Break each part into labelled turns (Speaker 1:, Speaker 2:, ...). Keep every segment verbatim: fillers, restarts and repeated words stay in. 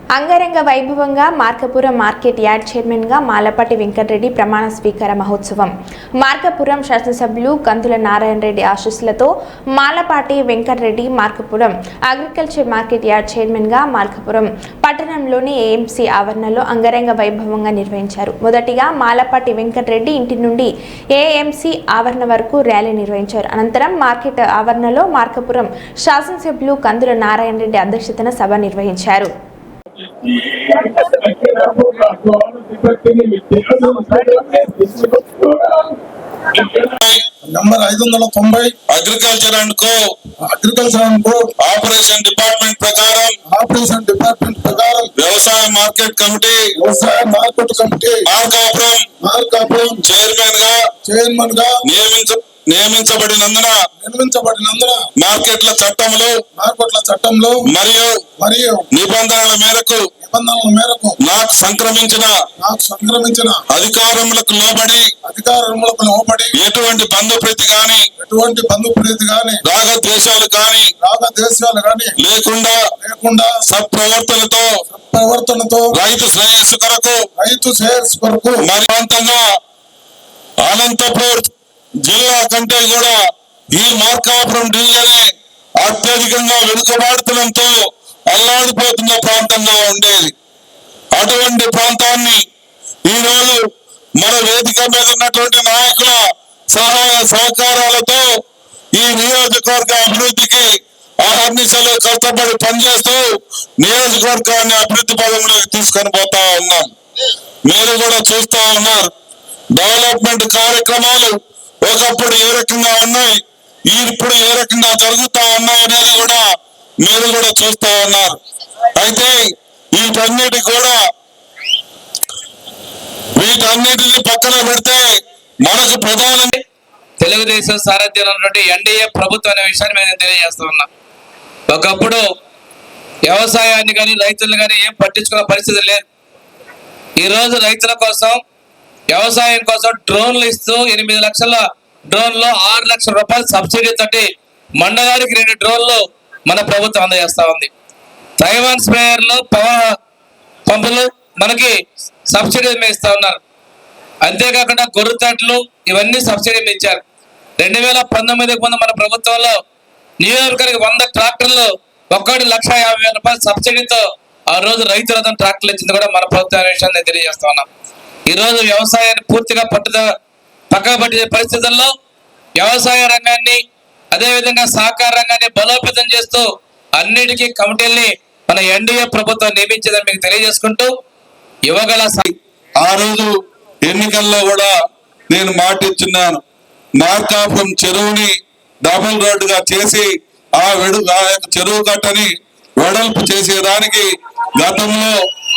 Speaker 1: అంగరంగ వైభవంగా Markapuram market yard చైర్మన్గా మాలపాటి వెంకటరెడ్డి ప్రమాణ స్వీకార మహోత్సవం. మార్కాపురం శాసనసభ్యులు కందుల నారాయణ రెడ్డి ఆశీస్సులతో Malapati Venkatareddy Markapuram agriculture market yard చైర్మన్గా మార్కాపురం పట్టణంలోని ఏఎంసీ ఆవరణలో అంగరంగ వైభవంగా నిర్వహించారు. మొదటిగా మాలపాటి వెంకటరెడ్డి ఇంటి నుండి ఏఎంసీ ఆవరణ వరకు ర్యాలీ నిర్వహించారు. అనంతరం మార్కెట్ ఆవరణలో మార్కాపురం శాసనసభ్యులు కందుల నారాయణ రెడ్డి అధ్యక్షతన సభ నిర్వహించారు.
Speaker 2: నంబర్ ఐదు వందల తొంభై agriculture and co agriculture and cooperation department ప్రకారం ఆపరేషన్ డిపార్ట్మెంట్ ప్రకారం వ్యవసాయ మార్కెట్ కమిటీ వ్యవసాయ market committee Markapuram Markapuram chairman గా చైర్మన్ గా నియమించ నియమించబడినందున నిర్మించబడినందున మార్కెట్ల చట్టంలో మార్కెట్ల చట్టంలో మరియు మరియు నిబంధనల మేరకు నిబంధనల మేరకు నాకు సంక్రమించిన నాకు సంక్రమించిన అధికారములకు లోబడి అధికారములకు లోబడి ఎటువంటి బంధు ప్రీతి గాని ఎటువంటి బంధు ప్రీతి గాని రాగ ద్వేషాలు గాని రాగ ద్వేషాలు గాని లేకుండా లేకుండా సత్ప్రవర్తనతో సత్ప్రవర్తనతో రైతు శ్రేయస్సు కొరకు రైతు శ్రేయస్సు కొరకు మరి అంతంగా అనంతపూర్ జిల్లా కంటే కూడా ఈ మార్కాపురం డివిజన్ అత్యధికంగా వెనుకబాటుతనంతో అల్లాడిపోతున్న ప్రాంతంగా ఉండేది. అటువంటి ప్రాంతాన్ని ఈరోజు మన వేదిక మీద ఉన్నటువంటి నాయకుల సహాయ సహకారాలతో ఈ నియోజకవర్గ అభివృద్ధికి అహర్నిశలు కష్టపడి పనిచేస్తూ నియోజకవర్గాన్ని అభివృద్ధి పదంలోకి తీసుకొని పోతా ఉన్నాం. మీరు కూడా చూస్తా ఉన్నారు. డెవలప్మెంట్ కార్యక్రమాలు ఒకప్పుడు ఏ రకంగా ఉన్నాయి, ఇప్పుడు ఏ రకంగా జరుగుతా ఉన్నాయి అనేది కూడా మీరు కూడా చూస్తా ఉన్నారు. అయితే వీటన్నిటి కూడా వీటన్నిటిని పక్కన పెడితే మనకు ప్రధాన
Speaker 3: తెలుగుదేశం సారథ్యంలో ఉన్నటువంటి ఎన్డీఏ ప్రభుత్వం అనే విషయాన్ని మేము తెలియజేస్తా ఉన్నాం. ఒకప్పుడు వ్యవసాయాన్ని కానీ రైతులను కానీ ఏం పట్టించుకునే పరిస్థితి లేదు. ఈరోజు రైతుల కోసం వ్యవసాయం కోసం డ్రోన్లు ఇస్తూ ఎనిమిది లక్షల డ్రోన్లు ఆరు లక్షల రూపాయల సబ్సిడీ తోటి మండలానికి రెండు డ్రోన్లు మన ప్రభుత్వం అందజేస్తా ఉంది. తైవాన్ స్ప్రేయర్లు పవర్ పంపులు మనకి సబ్సిడీ మీద ఇస్తా ఉన్నారు. అంతేకాకుండా గొర్రెతట్లు ఇవన్నీ సబ్సిడీ మీద ఇచ్చారు. రెండు వేల పంతొమ్మిదికి ముందు మన ప్రభుత్వంలో నియోజకవర్గానికి వంద ట్రాక్టర్లు ఒక్కటి లక్ష యాభై వేల రూపాయల సబ్సిడీతో ఆ రోజు రైతులతో ట్రాక్టర్లు ఇచ్చింది కూడా మన ప్రభుత్వ విషయాన్ని తెలియజేస్తా ఉన్నాం. ఈ రోజు వ్యవసాయాన్ని పూర్తిగా పట్టుద పక్కన పట్టే పరిస్థితుల్లో వ్యవసాయ రంగాన్ని అదేవిధంగా సహకార రంగాన్ని బలోపేతం చేస్తూ అన్నిటికీ కమిటీల్ని మన ఎన్డీఏ ప్రభుత్వం నియమించిందని మీకు తెలియజేసుకుంటూ యువగల
Speaker 2: ఆ రోజు ఎన్నికల్లో కూడా నేను మాట ఇచ్చున్నాను. మార్కాపురం చెరువుని డబుల్ రోడ్డుగా చేసి ఆ వెడు ఆ యొక్క చెరువు కట్టని వెడల్పు చేసేదానికి గతంలో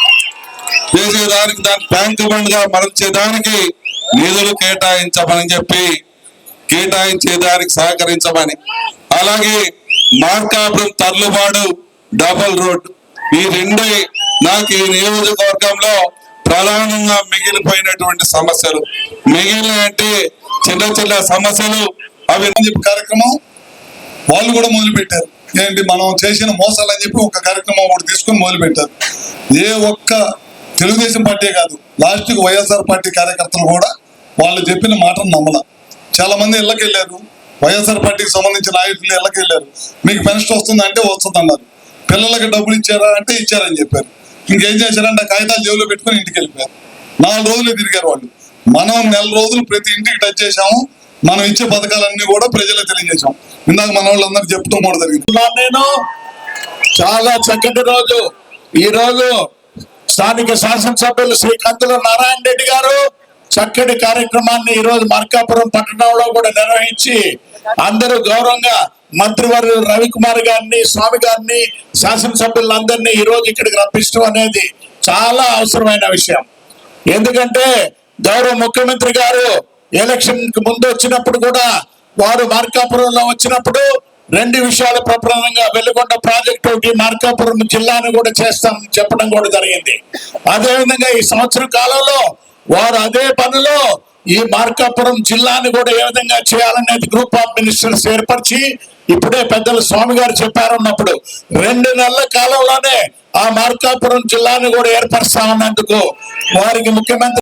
Speaker 2: చేసేదానికి దాని ట్యాంక్ బండ్ గా మరల్చేదానికి నిధులు కేటాయించమని చెప్పి కేటాయించేదానికి సహకరించమని, అలాగే మార్కాపురం తర్లుబాడు డబల్ రోడ్ ఈ రెండు నాకు ఈ నియోజకవర్గంలో ప్రధానంగా మిగిలిపోయినటువంటి సమస్యలు. మిగిలిన అంటే చిన్న చిన్న సమస్యలు అవి కార్యక్రమం వాళ్ళు కూడా మొదలు పెట్టారు. ఏంటి మనం చేసిన మోసాలు అని చెప్పి ఒక కార్యక్రమం ఒకటి తీసుకొని మొదలు పెట్టారు. ఏ ఒక్క తెలుగుదేశం పార్టీ కాదు, లాస్ట్కి వైఎస్ఆర్ పార్టీ కార్యకర్తలు కూడా వాళ్ళు చెప్పిన మాటను నమ్మల. చాలా మంది ఇళ్ళకి వెళ్ళారు, వైఎస్ఆర్ పార్టీకి సంబంధించిన నాయకులు ఇళ్ళకి వెళ్ళారు. మీకు పెన్షన్ వస్తుంది అంటే వస్తుంది అన్నారు. పిల్లలకి డబ్బులు ఇచ్చారా అంటే ఇచ్చారని చెప్పారు. ఇంకేం చేశారంటే కాగితాలు జేబులో పెట్టుకుని ఇంటికి వెళ్ళిపోయారు. నాలుగు రోజులు తిరిగారు వాళ్ళు. మనం నెల రోజులు ప్రతి ఇంటికి టచ్ చేసాము. మనం ఇచ్చే పథకాలన్నీ కూడా ప్రజలకు తెలియజేసాం. ఇందాక మన వాళ్ళందరూ చెప్తాం కూడా జరిగింది.
Speaker 4: నేను చాలా చక్కటి రోజు ఈ రోజు స్థానిక శాసనసభ్యులు శ్రీ కందుల నారాయణ రెడ్డి గారు చక్కటి కార్యక్రమాన్ని ఈ రోజు మార్కాపురం పట్టణంలో కూడా నిర్వహించి అందరూ గౌరవంగా మంత్రివర్యులు రవికుమార్ గారిని స్వామి గారిని శాసనసభ్యులందరినీ ఈ రోజు ఇక్కడికి రప్పించడం అనేది చాలా అవసరమైన విషయం. ఎందుకంటే గౌరవ ముఖ్యమంత్రి గారు ఎలక్షన్ కి ముందు వచ్చినప్పుడు కూడా వారు మార్కాపురంలో వచ్చినప్పుడు రెండు విషయాలు ప్రధానంగా వెలుగొండ ప్రాజెక్ట్ ఒకటి మార్కాపురం జిల్లాను కూడా చేస్తాం చెప్పడం కూడా జరిగింది. అదేవిధంగా ఈ సంవత్సరం కాలంలో వారు అదే పనిలో ఈ మార్కాపురం జిల్లాని కూడా ఏ విధంగా చేయాలనేది గ్రూప్ ఆఫ్ మినిస్టర్స్ ఏర్పరిచి ఇప్పుడే పెద్దలు స్వామి గారు చెప్పారన్నప్పుడు రెండు నెలల కాలంలోనే ఆ మార్కాపురం జిల్లాని కూడా ఏర్పరుస్తా ఉన్నందుకు వారికి ముఖ్యమంత్రి